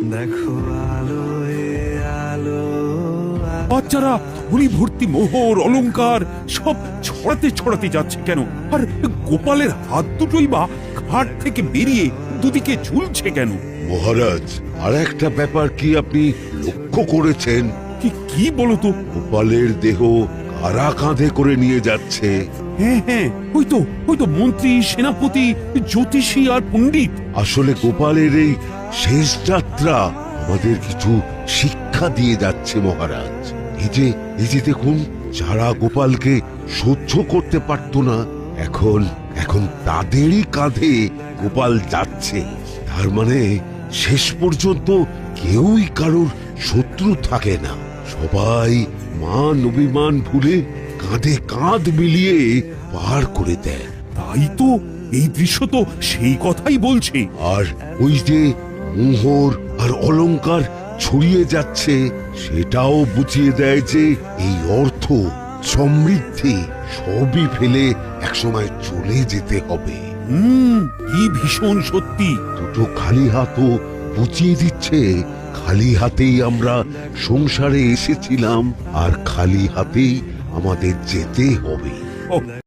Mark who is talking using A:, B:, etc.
A: দেখো আলোয় আলো।
B: বাচ্চারা ধনী ভর্তি মোহর অলংকার সব ছড়াতে ছড়াতে যাচ্ছে কেন? আর গোপালের হাত দুটোই বা ঘাট থেকে বেরিয়ে দুদিকে ঝুলছে কেন?
C: মহারাজ, আর একটা ব্যাপার কি আপনি লক্ষ্য করেছেন?
B: কি কি বলো তো?
C: গোপালের দেহ কারা কাঁধে করে নিয়ে যাচ্ছে?
B: হ্যাঁ হ্যাঁ, ওই তো মন্ত্রী, সেনাপতি, জ্যোতিষী আর পণ্ডিত।
C: আসলে গোপালের এই শেষ যাত্রা আমাদের কিছু শিক্ষা দিয়ে যাচ্ছে মহারাজ। এই যে দেখুন, যারা গোপালকে সহ্য করতে পারত না, এখন তাদেরই কাঁধে গোপাল যাচ্ছে। তার মানে শেষ পর্যন্ত কেউই কারোর শত্রু থাকে না, সবাই মান অভিমান ভুলে কাঁধে কাঁধ মিলিয়ে পার করে দেয়।
B: তাই তো, এই দৃশ্য তো সেই কথাই বলছে।
C: আর ওই যে মোহর আর অলংকার ছড়িয়ে যাচ্ছে, সেটাও বুঝিয়ে দেয় যে এই অর্থ, সমৃদ্ধি সবই ফেলে একসময় চলে যেতে হবে।
B: কি ভীষণ সত্যি।
C: দুটো খালি হাতও বুঝিয়ে দিচ্ছে, খালি হাতেই আমরা সংসারে এসেছিলাম আর খালি হাতেই আমাদের যেতে হবে।